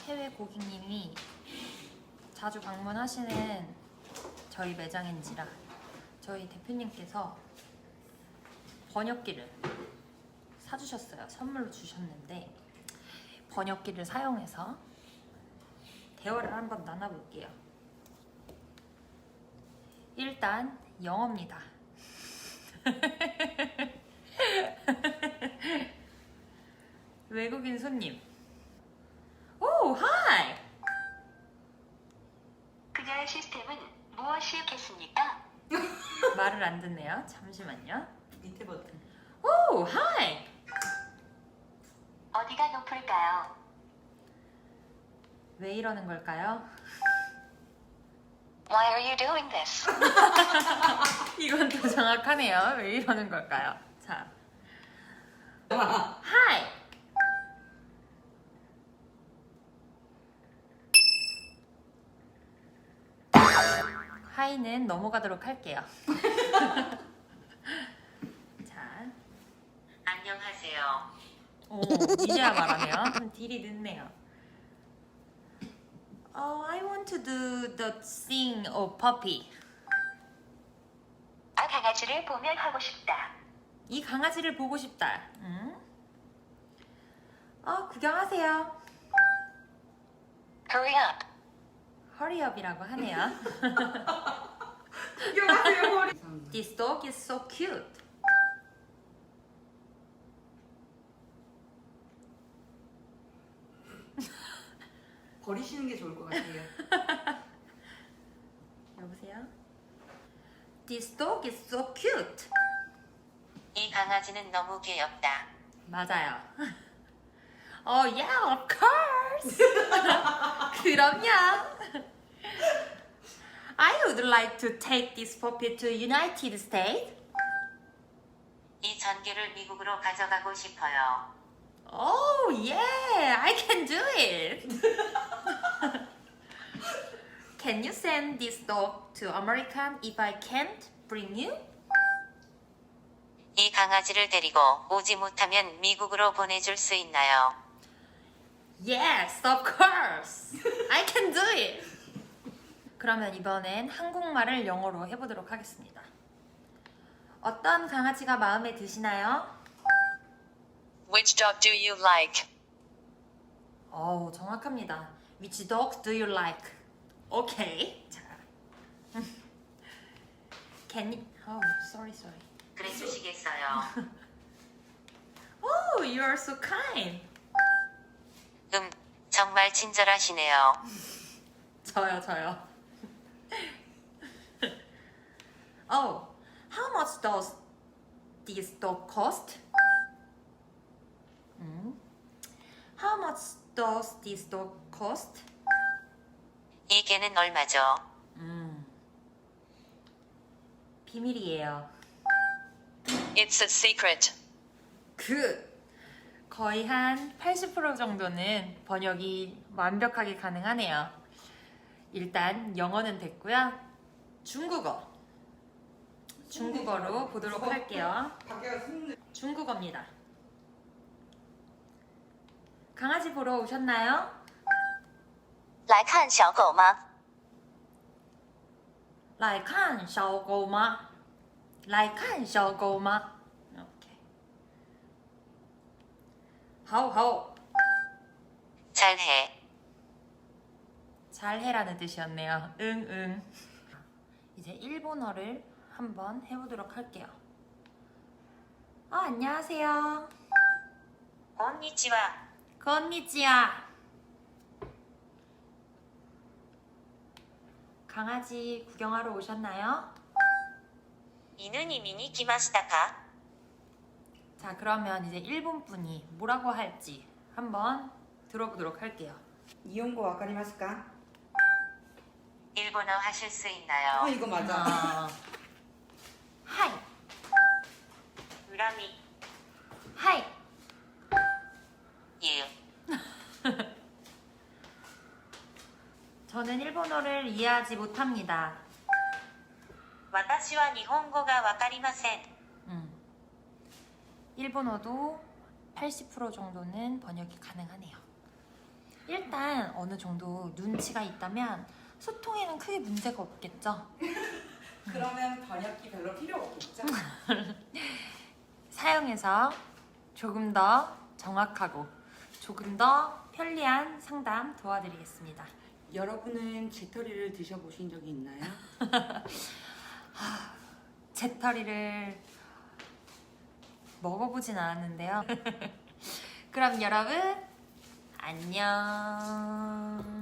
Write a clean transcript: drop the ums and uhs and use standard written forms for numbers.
해외 고객님이 자주 방문하시는 저희 매장인지라 저희 대표님께서 번역기를 사주셨어요. 선물로 주셨는데 번역기를 사용해서 대화를 한번 나눠볼게요. 일단 영어입니다. 외국인 손님. 오, 하이! 그녀의 시스템은 무엇이겠습니까? 말을 안 듣네요. 잠시만요. 밑에 버튼. 오, 하이! 어디가 높을까요? 왜 이러는 걸까요? Why are you doing this? 이건 더 정확하네요. 왜 이러는 걸까요? 자, 하이! 하이는 넘어가도록 할게요. 자, 안녕하세요. 오, 이제야 말하네요. 좀 딜이 늦네요. I want to do the thing of puppy. 아 강아지를 보면 하고 싶다. 이 강아지를 보고 싶다. 구경하세요. Hurry up. Hurry up이라고 하네요. 구경하세요 머리. This dog is so cute. 버리시는 게 좋을 것 같아요. 여보세요? This dog is so cute. 이 강아지는 너무 귀엽다. 맞아요. Yeah, of course. 그럼요. I would like to take this puppy to United States. 이 전기를 미국으로 가져가고 싶어요. Oh, yeah, I can do it. Can you send this dog to America if I can't bring you? 이 강아지를 데리고 오지 못하면 미국으로 보내줄 수 있나요? Yes, of course. I can do it. 그러면 이번엔 한국말을 영어로 해보도록 하겠습니다. 어떤 강아지가 마음에 드시나요? Which dog do you like? 정확합니다. Which dog do you like? Okay. 자. Can you... sorry. 그래 주시겠어요. Oh, you are so kind. 정말 친절하시네요. 저요. How much does this dog cost? How much does this dog cost? 이 개는 얼마죠? 비밀이에요. It's a secret. 거의 한 80% 정도는 번역이 완벽하게 가능하네요. 일단 영어는 됐고요. 중국어로 보도록 할게요. 중국어입니다. 강아지 보러 오셨나요? 来看小狗吗? 来看小狗吗?来看小狗吗? 오케이. 好 잘해. 잘해라는 뜻이었네요. 응. 이제 일본어를 한번 해보도록 할게요. 안녕하세요. konnichiwa. 건니치야. 강아지 구경하러 오셨나요? 犬に見に来ましたか? 자, 그러면 이제 일본 분이 뭐라고 할지 한번 들어보도록 할게요. 이용고 わかりますか? 일본어 하실 수 있나요? 이거 맞아. 하이. 恨み 하이. 유. 저는 일본어를 이해하지 못합니다. 私は日本語がわかりません. 일본어도 80% 정도는 번역이 가능하네요. 일단 어느 정도 눈치가 있다면 소통에는 크게 문제가 없겠죠? 그러면 번역기 별로 필요 없겠죠? 사용해서 조금 더 정확하고 조금 더 편리한 상담 도와드리겠습니다. 여러분은 재터리를 드셔보신 적이 있나요? 재터리를 먹어보진 않았는데요. 그럼 여러분 안녕.